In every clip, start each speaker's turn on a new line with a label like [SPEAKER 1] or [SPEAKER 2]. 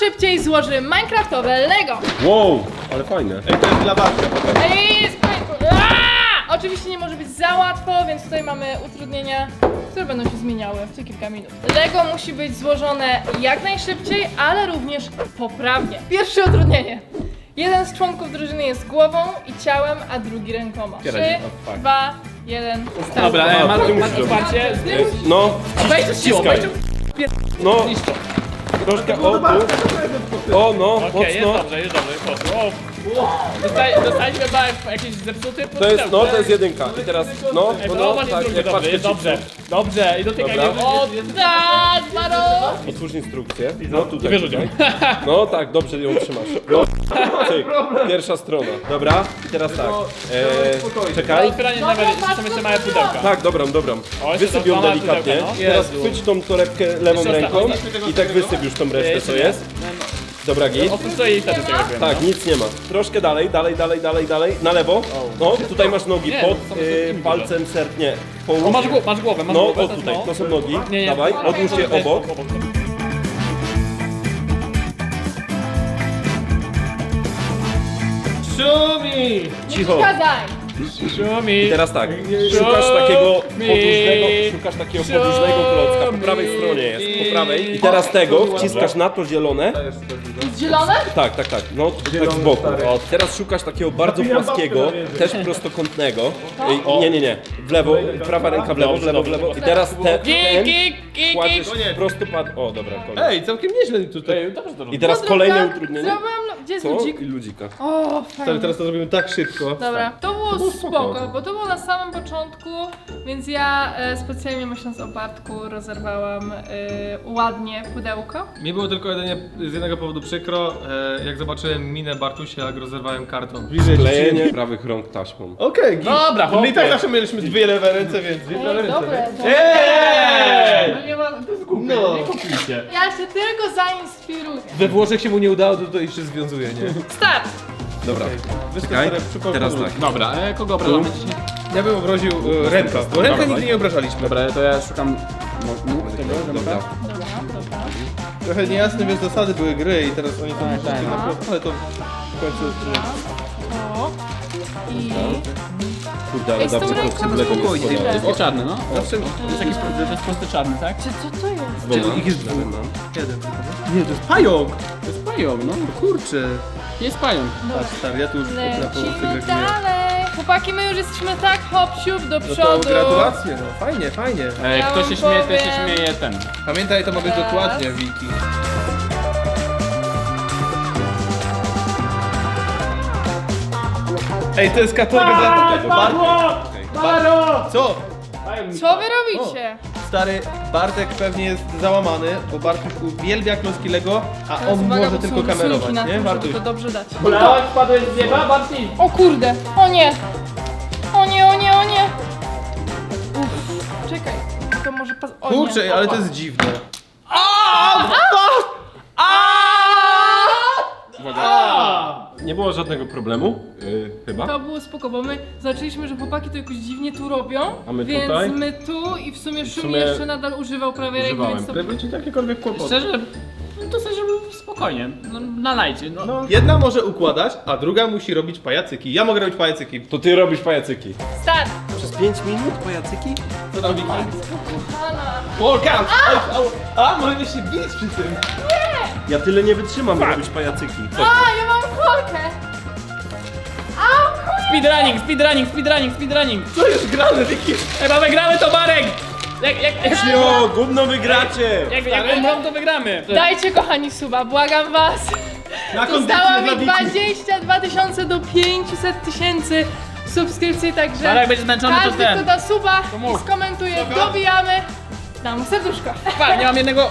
[SPEAKER 1] szybciej złoży minecraftowe Lego.
[SPEAKER 2] Wow, ale fajne.
[SPEAKER 3] Ej, to jest dla Bartka.
[SPEAKER 1] Ej, oczywiście nie może być za łatwo, więc tutaj mamy utrudnienia, które będą się zmieniały co kilka minut. Lego musi być złożone jak najszybciej, ale również poprawnie. Pierwsze utrudnienie. Jeden z członków drużyny jest głową i ciałem, a drugi rękoma. 3, 2, 1, start.
[SPEAKER 4] Dobra, masz otwarcie.
[SPEAKER 2] No,
[SPEAKER 1] Weź to siłą, weź to.
[SPEAKER 2] no. Troszkę, o, tu. O, no,
[SPEAKER 4] Okej, jest
[SPEAKER 2] mocno.
[SPEAKER 4] dobrze, poszło. Dostaliśmy chyba jakiś zepsuty
[SPEAKER 2] To jest, no, to jest jedynka. I teraz, no, tak, jak
[SPEAKER 4] dobrze,
[SPEAKER 2] patrzę
[SPEAKER 4] jest dobrze. Dobrze, i dotykaj
[SPEAKER 2] Dobra.
[SPEAKER 4] mnie.
[SPEAKER 1] O tak, Maro!
[SPEAKER 2] Otwórz instrukcję. No, tutaj.
[SPEAKER 4] Wyrzuć ją.
[SPEAKER 2] No, tak, dobrze ją trzymasz. No, cyk, pierwsza strona. Dobra, i teraz tak. Czekaj.
[SPEAKER 4] Otwieranie nawet, są jeszcze małe pudełka.
[SPEAKER 2] Tak, dobra.
[SPEAKER 4] O,
[SPEAKER 2] Wysyp ją
[SPEAKER 4] małe
[SPEAKER 2] delikatnie.
[SPEAKER 4] pudełka, no.
[SPEAKER 2] Teraz chwyć tą torebkę lewą
[SPEAKER 4] Jeszcze
[SPEAKER 2] ręką
[SPEAKER 4] ostatnio.
[SPEAKER 2] i tak wysyp już tą resztę, co jest. Dobra, git.
[SPEAKER 4] Oprócz to i wtedy tego robiłem.
[SPEAKER 2] Tak, nic nie ma. Troszkę dalej. Na lewo. No, tutaj masz nogi
[SPEAKER 4] Nie,
[SPEAKER 2] pod
[SPEAKER 4] to są tylko
[SPEAKER 2] palcem nie.
[SPEAKER 4] O, masz głowę, masz
[SPEAKER 2] No,
[SPEAKER 4] głowę.
[SPEAKER 2] o tutaj, to są nogi.
[SPEAKER 4] Nie.
[SPEAKER 2] Dawaj, odłóż je obok.
[SPEAKER 3] Szumi!
[SPEAKER 2] Cicho.
[SPEAKER 1] Kazaj!
[SPEAKER 4] Szumi.
[SPEAKER 2] I teraz tak, szukasz takiego podłużnego klocka, po prawej stronie jest, po prawej. I teraz tego wciskasz na to zielone.
[SPEAKER 1] Zielone?
[SPEAKER 2] Tak, no tak z boku. O, teraz szukasz takiego bardzo płaskiego, też prostokątnego. Nie, w lewo, prawa ręka w lewo. I teraz ten kładziesz prostopad. O, dobra, koniec.
[SPEAKER 3] Ej, całkiem nieźle tutaj.
[SPEAKER 2] I teraz kolejne utrudnienie.
[SPEAKER 1] Gdzie jest
[SPEAKER 2] Co?
[SPEAKER 1] ludzik?
[SPEAKER 2] I ludzika.
[SPEAKER 1] O, fajnie.
[SPEAKER 3] Teraz to zrobimy tak szybko.
[SPEAKER 1] Dobra, to było spoko, bo to było na samym początku, więc ja specjalnie myśląc o Bartku rozerwałam ładnie pudełko.
[SPEAKER 3] Mi było tylko jedynie z jednego powodu przykro, jak zobaczyłem minę Bartusia, jak rozerwałem karton. Bliżej
[SPEAKER 2] Klejenie prawych rąk taśmą.
[SPEAKER 3] Okej,
[SPEAKER 4] Dobra,
[SPEAKER 3] my i tak zawsze mieliśmy dwie lewe ręce, więc dwie lewe ręce.
[SPEAKER 1] Dobre,
[SPEAKER 3] Eee!
[SPEAKER 4] No nie ma, to jest głupie,
[SPEAKER 3] No.
[SPEAKER 4] nie kupujcie.
[SPEAKER 1] Ja się tylko zainspiruję.
[SPEAKER 3] We Włoszech się mu nie udało, to jeszcze związuje, nie?
[SPEAKER 1] Start!
[SPEAKER 2] Dobra,
[SPEAKER 3] Wiesz, to
[SPEAKER 2] czekaj,
[SPEAKER 3] stare przypomnę.
[SPEAKER 2] teraz tak.
[SPEAKER 4] Dobra, kogo obrażamy dzisiaj?
[SPEAKER 3] Ja bym obraził ręka, bo rękę nigdy nie obrażaliśmy.
[SPEAKER 4] Dobra, to ja szukam tego,
[SPEAKER 2] Dobra.
[SPEAKER 3] Trochę niejasne, więc zasady były gry i teraz oni to
[SPEAKER 4] tak.
[SPEAKER 3] ale to w końcu...
[SPEAKER 1] O. I...
[SPEAKER 2] Kurde, ale
[SPEAKER 1] Ej, z tą
[SPEAKER 2] dawno
[SPEAKER 1] ręką
[SPEAKER 2] koncyblego nie
[SPEAKER 1] spokojnie.
[SPEAKER 2] składałem.
[SPEAKER 4] To jest czarny, no.
[SPEAKER 3] Zawsze...
[SPEAKER 4] To jest jakiś to jest prosty czarny, tak?
[SPEAKER 1] Czy co to jest?
[SPEAKER 3] Ich jest dwóch. Jeden. Nie, to jest pająk!
[SPEAKER 4] To jest pająk, no.
[SPEAKER 3] Kurczę.
[SPEAKER 4] Jest pająk.
[SPEAKER 3] Patrz, stary, ja tu już potrafię
[SPEAKER 1] Lecimy dalej. Chłopaki, my już jesteśmy tak hop-siup do
[SPEAKER 3] No to
[SPEAKER 1] przodu.
[SPEAKER 3] gratulacje, no fajnie, fajnie.
[SPEAKER 1] Ja
[SPEAKER 4] Kto
[SPEAKER 1] wam
[SPEAKER 4] się śmieje, ten się
[SPEAKER 1] powiem.
[SPEAKER 4] śmieje ten.
[SPEAKER 3] Pamiętaj, to ma być
[SPEAKER 1] Raz.
[SPEAKER 3] dokładnie, Wiki. Ej, to jest katalog dla tego. Bartek. Co?
[SPEAKER 1] Co wy robicie?
[SPEAKER 3] Stary, Bartek pewnie jest załamany, bo Bartek uwielbia klocki Lego, a
[SPEAKER 1] Teraz
[SPEAKER 3] on
[SPEAKER 1] uwaga,
[SPEAKER 3] może
[SPEAKER 1] bo
[SPEAKER 3] tylko
[SPEAKER 1] są rysunki
[SPEAKER 3] kamerować,
[SPEAKER 1] na
[SPEAKER 3] nie?
[SPEAKER 1] tym,
[SPEAKER 3] Bartuś.
[SPEAKER 1] żeby to dobrze dać.
[SPEAKER 4] Polałek spadłeś z nieba, Bartni?
[SPEAKER 1] O kurde! O nie! O nie! Uff, czekaj. To może pas... O nie.
[SPEAKER 3] Kurczę, ale to jest dziwne.
[SPEAKER 2] Nie było żadnego problemu, chyba.
[SPEAKER 1] To było spoko, bo my zobaczyliśmy, że chłopaki to jakoś dziwnie tu robią,
[SPEAKER 2] A my
[SPEAKER 1] więc
[SPEAKER 2] tutaj?
[SPEAKER 1] my tu i w sumie Szumi
[SPEAKER 2] sumie
[SPEAKER 1] jeszcze nadal używał prawej ręki,
[SPEAKER 2] używałem.
[SPEAKER 1] więc to...
[SPEAKER 3] Gdyby ci jakiekolwiek kłopoty.
[SPEAKER 4] Szczerze, no to sobie spokojnie, no, nalajcie, no.
[SPEAKER 3] Jedna może układać, a druga musi robić pajacyki. Ja mogę robić pajacyki.
[SPEAKER 2] To ty robisz pajacyki.
[SPEAKER 1] Start!
[SPEAKER 2] Przez 5 minut pajacyki?
[SPEAKER 3] Co tam, Wiki?
[SPEAKER 1] Kochana!
[SPEAKER 3] Walkout! A, możemy się bić przy tym.
[SPEAKER 2] Ja tyle nie wytrzymam robić pajacyki.
[SPEAKER 1] A, ja mam kolkę!
[SPEAKER 4] Speedrunning.
[SPEAKER 3] Co jest grane, Wiki?
[SPEAKER 4] Chyba wygramy to, Marek! Jak
[SPEAKER 2] Jo, gówno wygracie!
[SPEAKER 4] jak umrą, to wygramy.
[SPEAKER 1] Dajcie kochani suba, błagam was!
[SPEAKER 3] Na
[SPEAKER 1] Zostało
[SPEAKER 3] kondycję dla
[SPEAKER 1] mi
[SPEAKER 3] Wiki.
[SPEAKER 1] 22 000 do 500 000 subskrypcji, także
[SPEAKER 4] Ale jak będzie zmęczony, to
[SPEAKER 1] każdy,
[SPEAKER 4] ten.
[SPEAKER 1] kto da suba
[SPEAKER 4] To
[SPEAKER 1] i
[SPEAKER 4] mów.
[SPEAKER 1] skomentuje, dobijamy. Dam mu serduszko.
[SPEAKER 4] Pa, nie mam jednego...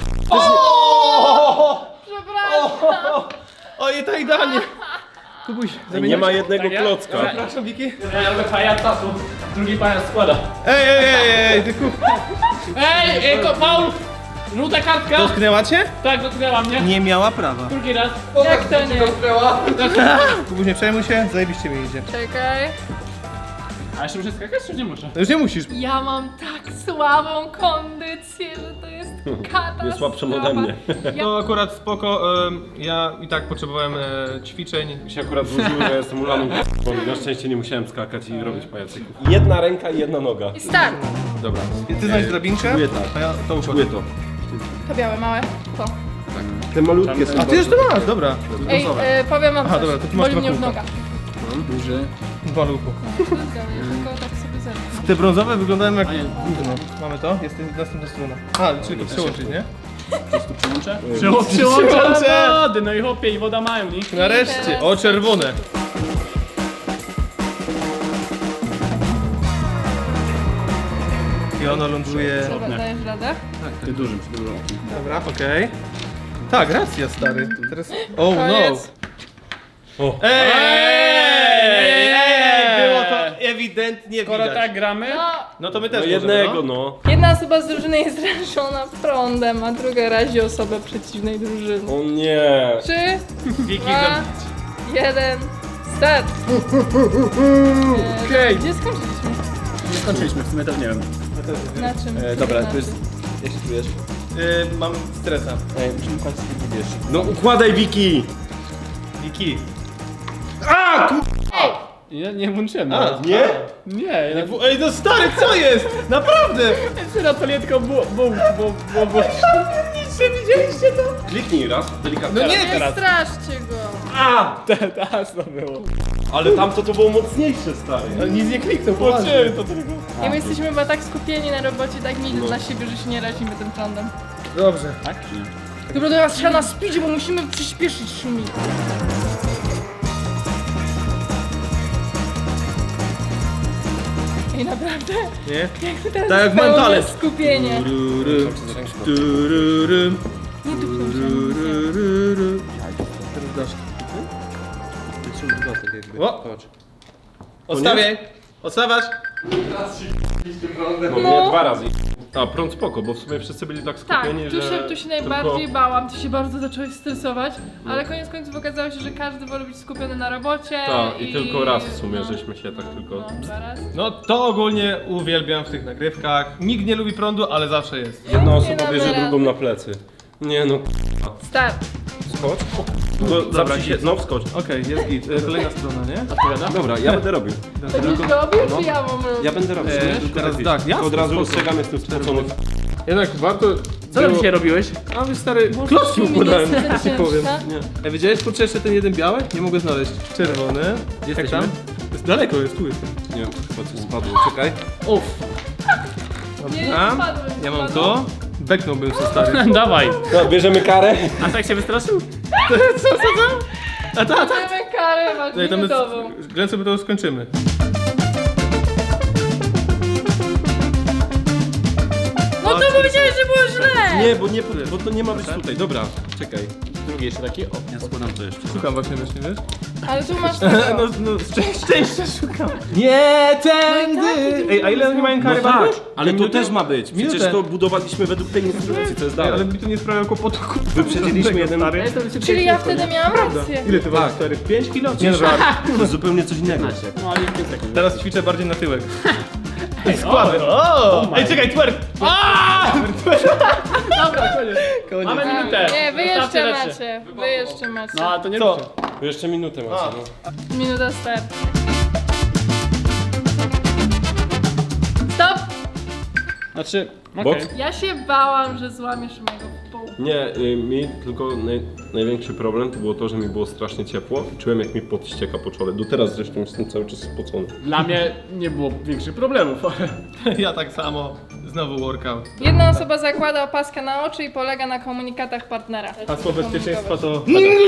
[SPEAKER 1] Przepraszam.
[SPEAKER 3] Oj, to idealnie. Kubuś,
[SPEAKER 2] Nie ma jednego
[SPEAKER 4] Tak, ja?
[SPEAKER 2] klocka.
[SPEAKER 3] Przepraszam, Wiki.
[SPEAKER 4] Ja robię pajaca, tu drugi pajac składa.
[SPEAKER 3] Ej, ty
[SPEAKER 4] Paul! Żółta kartka!
[SPEAKER 3] Dotknęła cię?
[SPEAKER 4] Tak, dotknęła mnie.
[SPEAKER 3] Nie miała prawa.
[SPEAKER 4] Drugi raz.
[SPEAKER 1] Jak to nie?
[SPEAKER 3] Kubuś, nie przejmuj się, zajebiście mi idzie.
[SPEAKER 1] Czekaj.
[SPEAKER 4] A jeszcze muszę skakać, czy nie muszę?
[SPEAKER 3] No już nie musisz.
[SPEAKER 1] Ja mam tak słabą kondycję, że to jest katastrofa.
[SPEAKER 2] Jest słabszym ode mnie.
[SPEAKER 3] To akurat spoko, ja i tak potrzebowałem ćwiczeń.
[SPEAKER 2] Mi się akurat złożyło, że jestem ulaną bo na szczęście nie musiałem skakać i robić pajacyków. Jedna ręka i jedna noga.
[SPEAKER 1] I start.
[SPEAKER 3] Dobra. Ty znajdziesz drabinkę?
[SPEAKER 2] Czuję tak.
[SPEAKER 3] A ja to
[SPEAKER 2] Czuję
[SPEAKER 3] układam.
[SPEAKER 2] to.
[SPEAKER 1] To białe, małe. To.
[SPEAKER 2] Te malutkie są.
[SPEAKER 3] A ty już to masz, dobra.
[SPEAKER 1] Ej, powiem wam
[SPEAKER 3] Aha,
[SPEAKER 1] coś.
[SPEAKER 3] dobra, to ty masz
[SPEAKER 1] Boli mnie
[SPEAKER 3] dwa
[SPEAKER 1] w
[SPEAKER 3] kółka.
[SPEAKER 1] nogach.
[SPEAKER 4] Duży.
[SPEAKER 3] Dwa lupu.
[SPEAKER 1] Ja tylko tak sobie zerknę.
[SPEAKER 3] Te brązowe wyglądają jak
[SPEAKER 4] A nie.
[SPEAKER 3] gówno. Mamy to? Jest następna strona. A, czyli to przełączyć, nie?
[SPEAKER 4] Tu przyłączę?
[SPEAKER 3] Przyłączę!
[SPEAKER 4] Przyłączę do wody, no i chłopie, i woda mają, nie?
[SPEAKER 3] Nareszcie! O, czerwone! I ono ląduje...
[SPEAKER 1] Dobra, dajesz radę?
[SPEAKER 4] Ty dużym,
[SPEAKER 3] Dobra, okej. Tak, racja, stary. Teraz... Oh no!
[SPEAKER 1] Koniec.
[SPEAKER 2] O.
[SPEAKER 3] Ej! Było to ewidentnie
[SPEAKER 4] Skoro
[SPEAKER 3] widać.
[SPEAKER 4] tak gramy,
[SPEAKER 1] No,
[SPEAKER 3] No to my
[SPEAKER 2] No
[SPEAKER 3] też
[SPEAKER 2] jednego,
[SPEAKER 3] możemy,
[SPEAKER 2] no.
[SPEAKER 1] jedna osoba z drużyny jest rażona prądem, a druga razi osobę przeciwnej drużyny.
[SPEAKER 2] O nie.
[SPEAKER 1] 3,
[SPEAKER 3] Wiki,
[SPEAKER 1] 2, 1, start!
[SPEAKER 3] Okej.
[SPEAKER 1] Gdzie skończyliśmy?
[SPEAKER 4] nie skończyliśmy, w sumie też nie wiem.
[SPEAKER 1] Na czym?
[SPEAKER 5] Dobra,
[SPEAKER 1] Na
[SPEAKER 5] to jest...
[SPEAKER 1] czym?
[SPEAKER 5] Jak się czujesz?
[SPEAKER 3] Mam stresa.
[SPEAKER 5] Ej, musimy kończyć ten wiesz.
[SPEAKER 2] No układaj Wiki.
[SPEAKER 3] Wiki.
[SPEAKER 1] Ej!
[SPEAKER 4] Ja nie włączyłem.
[SPEAKER 3] A,
[SPEAKER 4] nawet.
[SPEAKER 2] Nie?
[SPEAKER 4] Nie, ja
[SPEAKER 3] Ej, no stary, co jest? Naprawdę!
[SPEAKER 4] na to nie tylko bo.
[SPEAKER 2] Kliknij raz, delikatnie.
[SPEAKER 3] No nie,
[SPEAKER 1] Nie
[SPEAKER 3] teraz.
[SPEAKER 1] straszcie go!
[SPEAKER 2] A!
[SPEAKER 4] Teraz to było.
[SPEAKER 2] Ale tamto to było mocniejsze, stary.
[SPEAKER 3] Ale nic nie kliknął, poważnie.
[SPEAKER 4] to tylko.
[SPEAKER 1] I my jesteśmy chyba tak skupieni na robocie, tak mieli dla siebie, że się nie razimy tym prądem.
[SPEAKER 3] Dobrze.
[SPEAKER 4] Tak czy nie?
[SPEAKER 1] Dobra, teraz trzeba na speedzie, bo musimy przyspieszyć szumi. Ej, naprawdę?
[SPEAKER 3] Nie?
[SPEAKER 1] Jak ty teraz
[SPEAKER 3] Tak jak
[SPEAKER 1] pełne
[SPEAKER 3] mentalec.
[SPEAKER 1] skupienie.
[SPEAKER 3] Tururym.
[SPEAKER 1] Nie tu
[SPEAKER 3] Teraz dasz.
[SPEAKER 5] Trzymaj dodatek jakby.
[SPEAKER 3] O!
[SPEAKER 5] Patrz.
[SPEAKER 3] Odstawiaj! Odstawiasz!
[SPEAKER 2] No, nie, dwa razy. A, prąd spoko, bo w sumie wszyscy byli tak
[SPEAKER 1] Tak,
[SPEAKER 2] skupieni, że...
[SPEAKER 1] tu się najbardziej
[SPEAKER 2] tylko...
[SPEAKER 1] bałam, ty się bardzo zacząłeś stresować, ale koniec końców okazało się, że każdy woli być skupiony na robocie.
[SPEAKER 2] Tak, i tylko raz w sumie,
[SPEAKER 1] no,
[SPEAKER 2] żeśmy się tak tylko...
[SPEAKER 1] No, dwa razy.
[SPEAKER 3] No to ogólnie uwielbiam w tych nagrywkach. Nikt nie lubi prądu, ale zawsze jest.
[SPEAKER 2] Jedna
[SPEAKER 1] Nie
[SPEAKER 2] osoba
[SPEAKER 1] damy
[SPEAKER 2] bierze
[SPEAKER 1] rady.
[SPEAKER 2] drugą na plecy. Nie no,
[SPEAKER 1] Start.
[SPEAKER 2] skocz. No,
[SPEAKER 3] Dobra,
[SPEAKER 2] się, no wskocz.
[SPEAKER 3] Okej, jest git. Kolejna strona, nie?
[SPEAKER 2] Dobra, ja będę robił.
[SPEAKER 1] Będziesz robił, czy ja mam robić?
[SPEAKER 2] Ja będę robił.
[SPEAKER 3] teraz
[SPEAKER 2] wiesz,
[SPEAKER 3] tak,
[SPEAKER 2] tylko
[SPEAKER 3] jasne,
[SPEAKER 2] od razu
[SPEAKER 3] spoko.
[SPEAKER 2] ostrzegam, jestem spocony.
[SPEAKER 3] Jednak warto...
[SPEAKER 4] Co tam dzisiaj robiłeś?
[SPEAKER 3] A wy stary, klocki układałem, tak ci powiem. Ej, widziałeś kurczę jeszcze ten jeden biały? Nie mogę znaleźć. Czerwony. Jak
[SPEAKER 4] jesteśmy?
[SPEAKER 3] tam? Jest daleko, jest tu jestem.
[SPEAKER 2] Nie wiem, chyba coś spadło, czekaj.
[SPEAKER 4] Uff.
[SPEAKER 1] Nie,
[SPEAKER 3] Dobra,
[SPEAKER 1] spadłem,
[SPEAKER 3] ja mam
[SPEAKER 1] spadłem.
[SPEAKER 3] to. Beknąłbym się stary.
[SPEAKER 4] Dawaj.
[SPEAKER 2] No, bierzemy karę.
[SPEAKER 4] A tak się wystraszył?
[SPEAKER 3] A ta.
[SPEAKER 1] Mamy karę, masz
[SPEAKER 3] Ej, tam jest...
[SPEAKER 1] minutową.
[SPEAKER 3] Ględ sobie to skończymy.
[SPEAKER 1] No to powiedziałeś, że było źle!
[SPEAKER 2] Nie, bo to nie ma być tutaj. Dobra, czekaj.
[SPEAKER 4] Drugi jeszcze taki. O, ja składam to jeszcze.
[SPEAKER 3] Szukam właśnie, wiesz?
[SPEAKER 1] Ale tu masz tego.
[SPEAKER 3] No, szczęścia szukam. Nie, tędy! Ej, a ile oni mają kary
[SPEAKER 2] No tak,
[SPEAKER 3] Bartuś?
[SPEAKER 2] ale to
[SPEAKER 3] Minutę?
[SPEAKER 2] też ma być. Przecież
[SPEAKER 3] Minutę.
[SPEAKER 2] to budowaliśmy według tej instrukcji, co jest
[SPEAKER 3] Ej, ale
[SPEAKER 2] dalej.
[SPEAKER 3] mi to nie sprawia kłopotu.
[SPEAKER 2] Wyprzedziliśmy jeden...
[SPEAKER 3] Stary.
[SPEAKER 1] Czyli ja wtedy miałam rację.
[SPEAKER 3] Ile ty ważysz, stary? 5 kilo? Nie, żart.
[SPEAKER 2] To jest zupełnie coś innego.
[SPEAKER 4] No ale 5 sekund.
[SPEAKER 3] Teraz ćwiczę bardziej na tyłek. I składy. Ej, czekaj, twerk!
[SPEAKER 4] Dobra, koniec. Mamy minutę.
[SPEAKER 1] Nie, wy
[SPEAKER 4] Zostawcie
[SPEAKER 1] jeszcze
[SPEAKER 4] rzeczy.
[SPEAKER 1] macie. Wy jeszcze macie.
[SPEAKER 4] No, a to nie
[SPEAKER 3] Co?
[SPEAKER 4] ruszę.
[SPEAKER 2] To jeszcze minutę macie, no.
[SPEAKER 1] Minuta start. Stop!
[SPEAKER 4] Znaczy,
[SPEAKER 2] Bok?
[SPEAKER 4] okej.
[SPEAKER 1] Ja się bałam, że złamiesz mojego pół.
[SPEAKER 2] Nie, mi tylko największy problem to było to, że mi było strasznie ciepło i czułem jak mi pot ścieka po czole. Do teraz zresztą jestem cały czas spocony.
[SPEAKER 4] Dla mnie nie było większych problemów, ale...
[SPEAKER 3] Ja tak samo. Znowu workout.
[SPEAKER 1] Jedna osoba zakłada opaskę na oczy i polega na komunikatach partnera.
[SPEAKER 3] Hasło bezpieczeństwa to...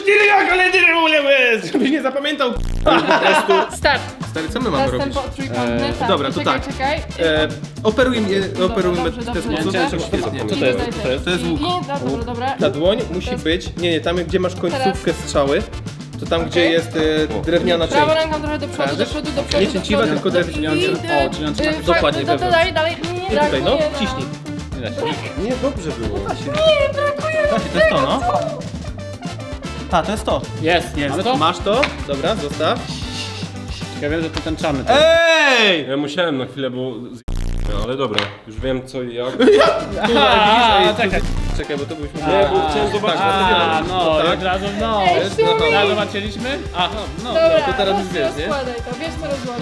[SPEAKER 3] Żebyś nie zapamiętał.
[SPEAKER 1] Start!
[SPEAKER 3] Stary, co my mamy robić?
[SPEAKER 1] Następny trójkątny, tak.
[SPEAKER 3] dobra, to
[SPEAKER 1] czekaj,
[SPEAKER 3] tak.
[SPEAKER 1] czekaj.
[SPEAKER 3] Operujmy
[SPEAKER 1] Dobrze,
[SPEAKER 3] w ten
[SPEAKER 1] dobrze,
[SPEAKER 3] sposób.
[SPEAKER 1] dobrze.
[SPEAKER 3] Co to jest? To jest łuk.
[SPEAKER 1] Dobra.
[SPEAKER 3] Ta dłoń musi być... Nie, tam gdzie masz końcówkę strzały, to tam gdzie
[SPEAKER 1] Okej.
[SPEAKER 3] jest drewniana część.
[SPEAKER 1] Prawą ręką trochę do przodu, do przodu, do przodu.
[SPEAKER 3] Nie cięciwa,
[SPEAKER 1] do przodu.
[SPEAKER 3] tylko drewniana.
[SPEAKER 1] I,
[SPEAKER 4] O, czyli on trzyma się
[SPEAKER 3] dokładnie wewnątrz.
[SPEAKER 1] Dalej, dalej. Nie,
[SPEAKER 3] I tutaj, no,
[SPEAKER 1] brakuje,
[SPEAKER 3] ciśnij.
[SPEAKER 2] Nie, dobrze było.
[SPEAKER 1] Nie, brakuje.
[SPEAKER 3] To jest to, no. A, to jest to.
[SPEAKER 4] Jest.
[SPEAKER 3] Jest.
[SPEAKER 4] Mamy to?
[SPEAKER 3] Masz to? Dobra, zostaw.
[SPEAKER 4] Ja wiem, że to tęczamy.
[SPEAKER 3] Ej!
[SPEAKER 2] Ja musiałem na chwilę, bo ale dobra, już wiem co i jak.
[SPEAKER 4] A, czekaj.
[SPEAKER 3] Czekaj, bo to byśmy...
[SPEAKER 2] Nie, bo chciałem zobaczyć.
[SPEAKER 4] A, no,
[SPEAKER 3] tak.
[SPEAKER 4] od razu, no.
[SPEAKER 1] Ej,
[SPEAKER 3] jest,
[SPEAKER 1] Szumi!
[SPEAKER 3] aha.
[SPEAKER 4] Teraz zobaczyliśmy? Aha, no.
[SPEAKER 1] Dobra,
[SPEAKER 3] to teraz już wiesz, nie?
[SPEAKER 1] rozkładaj to, wiesz co rozłożyć.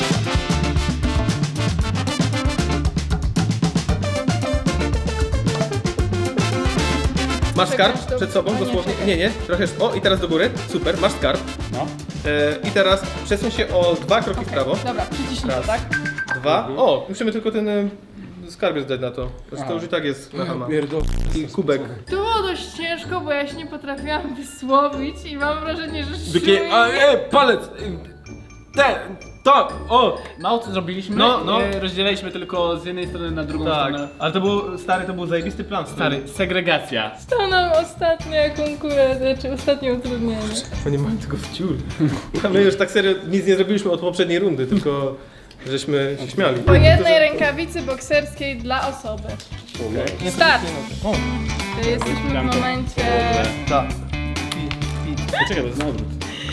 [SPEAKER 3] Masz skarb
[SPEAKER 1] Czekaj,
[SPEAKER 3] przed sobą,
[SPEAKER 1] to-
[SPEAKER 3] dosłownie.
[SPEAKER 1] czekaj.
[SPEAKER 3] Nie, trochę. O, i teraz do góry. Super, masz skarb.
[SPEAKER 4] No.
[SPEAKER 3] I teraz przesuń się o 2 kroki w prawo.
[SPEAKER 1] Dobra, przyciśnij to,
[SPEAKER 3] Raz.
[SPEAKER 1] tak?
[SPEAKER 3] 2. O, musimy tylko ten skarbiec dać na to. Znaczy, to już i tak jest na hama. I kubek.
[SPEAKER 1] To było dość ciężko, bo ja się nie potrafiłam wysłowić i mam wrażenie, że
[SPEAKER 2] Takie, palec! Tak, o!
[SPEAKER 4] Mało co zrobiliśmy,
[SPEAKER 3] No.
[SPEAKER 4] rozdzieliliśmy tylko z jednej strony na drugą
[SPEAKER 3] Tak,
[SPEAKER 4] stronę.
[SPEAKER 3] ale to był, stary, to był zajebisty plan.
[SPEAKER 4] Stary, segregacja.
[SPEAKER 1] to nam ostatnia konkurencja, znaczy ostatnie utrudnienie.
[SPEAKER 3] Oni mają tylko wciul. A my już tak serio nic nie zrobiliśmy od poprzedniej rundy, tylko żeśmy się śmiali.
[SPEAKER 1] Po jednej rękawicy bokserskiej dla osoby. Start! To jesteśmy w momencie...
[SPEAKER 3] Tak.
[SPEAKER 4] Czekaj, to jest na odwrót.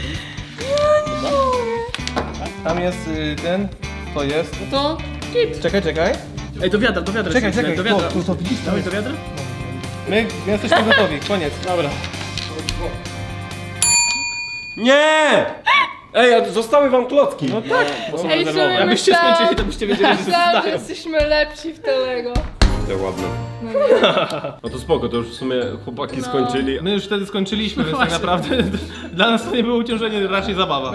[SPEAKER 3] Tam jest ten, to jest.
[SPEAKER 4] No to git.
[SPEAKER 3] Czekaj.
[SPEAKER 4] Ej, do wiadra.
[SPEAKER 3] Czekaj,
[SPEAKER 4] do wiadra.
[SPEAKER 3] to widzisz?
[SPEAKER 4] Dawaj do wiadra?
[SPEAKER 3] My jesteśmy gotowi, koniec.
[SPEAKER 4] Dobra.
[SPEAKER 2] Nie! Ej, a zostały wam klocki.
[SPEAKER 3] No tak.
[SPEAKER 1] Ej, Szumi,
[SPEAKER 3] Jakbyście skończyli, to byście wiedzieli, że
[SPEAKER 1] myślałam, że
[SPEAKER 3] zostają.
[SPEAKER 1] jesteśmy lepsi w te Lego.
[SPEAKER 2] Te ładne.
[SPEAKER 1] No nie.
[SPEAKER 2] No to spoko, to już w sumie chłopaki
[SPEAKER 1] No.
[SPEAKER 2] skończyli.
[SPEAKER 3] My już wtedy skończyliśmy, więc tak naprawdę dla nas to nie było uciążenie, raczej zabawa.